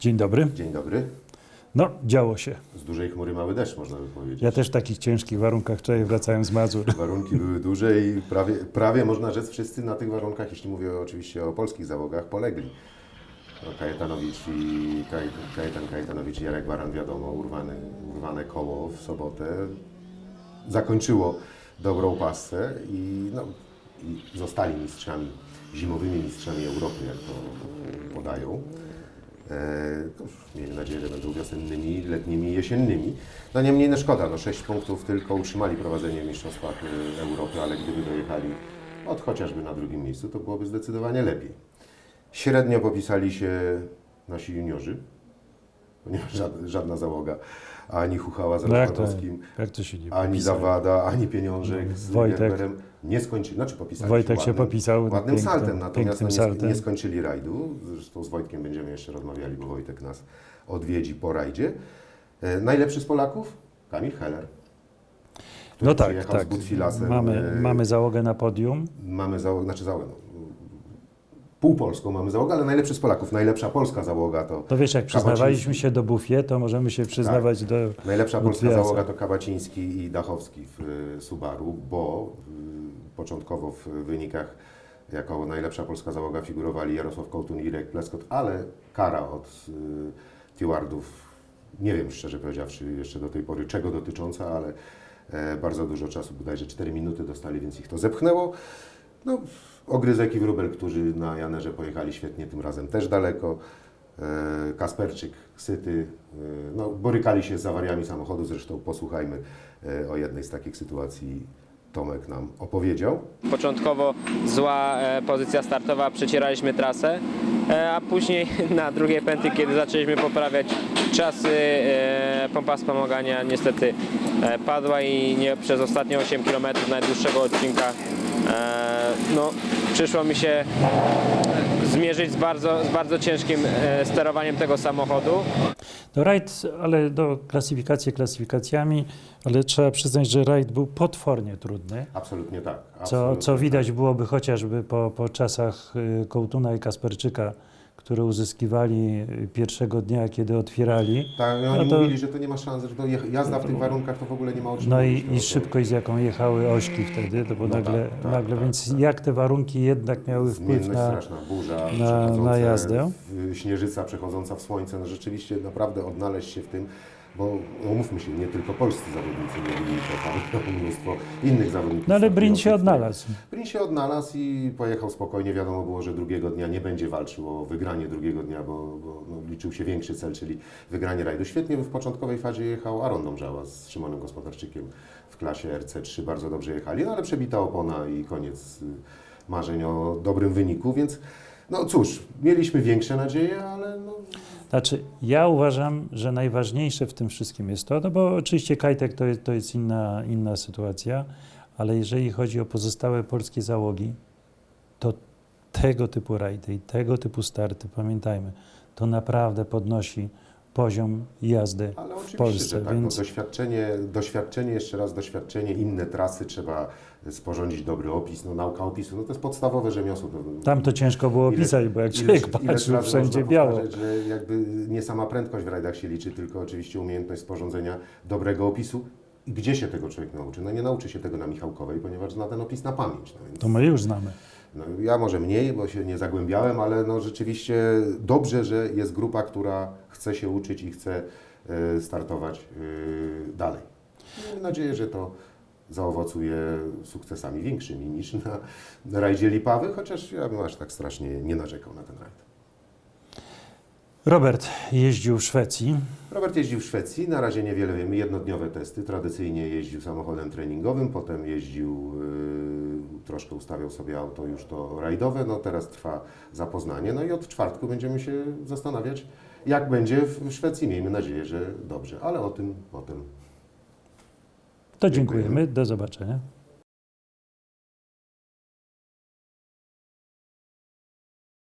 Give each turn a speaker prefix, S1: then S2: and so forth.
S1: Dzień dobry.
S2: Dzień dobry.
S1: No, działo się.
S2: Z dużej chmury mały deszcz, można by powiedzieć.
S1: Ja też w takich ciężkich warunkach wczoraj wracałem z Mazur.
S2: Warunki były duże i prawie można rzec wszyscy na tych warunkach, jeśli mówię oczywiście o polskich załogach, polegli. No, Kajetan Kajetanowicz i Jarek Baran, wiadomo, urwane koło w sobotę zakończyło dobrą passę i zostali mistrzami, zimowymi mistrzami Europy, jak to podają. Miejmy nadzieję, że będą wiosennymi, letnimi i jesiennymi. No niemniej no szkoda, 6 punktów tylko utrzymali prowadzenie w Mistrzostwach Europy, ale gdyby dojechali chociażby na drugim miejscu, to byłoby zdecydowanie lepiej. Średnio popisali się nasi juniorzy, ponieważ żadna załoga, ani Huchała z Rozpadowskim,
S1: jak to się nie
S2: ani
S1: popisał?
S2: Zawada, ani Pieniążek z
S1: Wojtek.
S2: Gerberem nie skończyli, popisali
S1: Wojtek
S2: się
S1: się popisał
S2: ładnym
S1: pięknym,
S2: saltem, natomiast
S1: pięknym saltem.
S2: nie skończyli rajdu. Zresztą z Wojtkiem będziemy jeszcze rozmawiali, bo Wojtek nas odwiedzi po rajdzie. Najlepszy z Polaków? Kamil Heller. Który
S1: No tak,
S2: przyjechał z Butfilasem.
S1: Mamy załogę na podium.
S2: Mamy załogę, półpolską mamy załogę, ale najlepszy z Polaków, najlepsza polska załoga to
S1: Wiesz, jak przyznawaliśmy
S2: Kabaciński.
S1: się do Bufie, to możemy się przyznawać do
S2: Najlepsza polska
S1: Butfilasa.
S2: załoga to Kabaciński i Dachowski w Subaru, bo początkowo w wynikach jako najlepsza polska załoga figurowali Jarosław Kołtun i Irek Pleskot, ale kara od stewardów, nie wiem szczerze powiedziawszy jeszcze do tej pory czego dotycząca, ale bardzo dużo czasu, bodajże 4 minuty dostali, więc ich to zepchnęło. Ogryzek i Wróbel, którzy na Janerze pojechali świetnie, tym razem też daleko. Kasperczyk, Syty, borykali się z awariami samochodu, zresztą posłuchajmy o jednej z takich sytuacji. Tomek nam opowiedział.
S3: Początkowo zła pozycja startowa, przecieraliśmy trasę, a później na drugiej pętli, kiedy zaczęliśmy poprawiać czasy, pompa wspomagania niestety padła i przez ostatnie 8 km najdłuższego odcinka przyszło mi się zmierzyć z bardzo ciężkim sterowaniem tego samochodu.
S1: Rajd, ale klasyfikacjami, ale trzeba przyznać, że rajd był potwornie trudny.
S2: Absolutnie tak.
S1: Co widać byłoby chociażby po czasach Kołtuna i Kasperczyka, które uzyskiwali pierwszego dnia, kiedy otwierali.
S2: Tak, oni mówili, że to nie ma szans, że to jazda w tych warunkach to w ogóle nie ma o czym mówić.
S1: I szybkość, z jaką jechały ośki wtedy, to było nagle, więc jak te warunki jednak miały wpływ
S2: straszna burza,
S1: na jazdę.
S2: Śnieżyca przechodząca w słońce, rzeczywiście naprawdę odnaleźć się w tym, bo umówmy się, nie tylko polscy zawodnicy mieli to, tam mnóstwo innych zawodników.
S1: Ale Brin się odnalazł.
S2: Brin się odnalazł i pojechał spokojnie. Wiadomo było, że drugiego dnia nie będzie walczył o wygranie drugiego dnia, bo liczył się większy cel, czyli wygranie rajdu. Świetnie w początkowej fazie jechał Aron Dąbrzała z Szymonem Gospodarczykiem w klasie RC3. Bardzo dobrze jechali, ale przebita opona i koniec marzeń o dobrym wyniku, więc cóż, mieliśmy większe nadzieje, ale
S1: Znaczy, ja uważam, że najważniejsze w tym wszystkim jest to, bo oczywiście Kajtek to jest inna sytuacja, ale jeżeli chodzi o pozostałe polskie załogi, to tego typu rajdy i tego typu starty, pamiętajmy, to naprawdę podnosi poziom jazdy w Polsce.
S2: Że tak, więc doświadczenie, inne trasy, trzeba sporządzić dobry opis, nauka opisu, to jest podstawowe rzemiosło.
S1: Tam to ciężko było pisać, bo jak człowiek patrzył, wszędzie biało.
S2: Że jakby nie sama prędkość w rajdach się liczy, tylko oczywiście umiejętność sporządzenia dobrego opisu. I gdzie się tego człowiek nauczy? Nie nauczy się tego na Michałkowej, ponieważ zna ten opis na pamięć. Więc
S1: to my już znamy.
S2: Ja może mniej, bo się nie zagłębiałem, ale rzeczywiście dobrze, że jest grupa, która chce się uczyć i chce startować dalej. Mam nadzieję, że to zaowocuje sukcesami większymi niż na rajdzie Lipawy, chociaż ja bym aż tak strasznie nie narzekał na ten rajd.
S1: Robert jeździł w Szwecji.
S2: Robert jeździł w Szwecji, na razie niewiele wiemy, jednodniowe testy. Tradycyjnie jeździł samochodem treningowym, potem jeździł, troszkę ustawiał sobie auto już to rajdowe, teraz trwa zapoznanie. I od czwartku będziemy się zastanawiać, jak będzie w Szwecji. Miejmy nadzieję, że dobrze, ale o tym potem.
S1: To dziękujemy, do zobaczenia.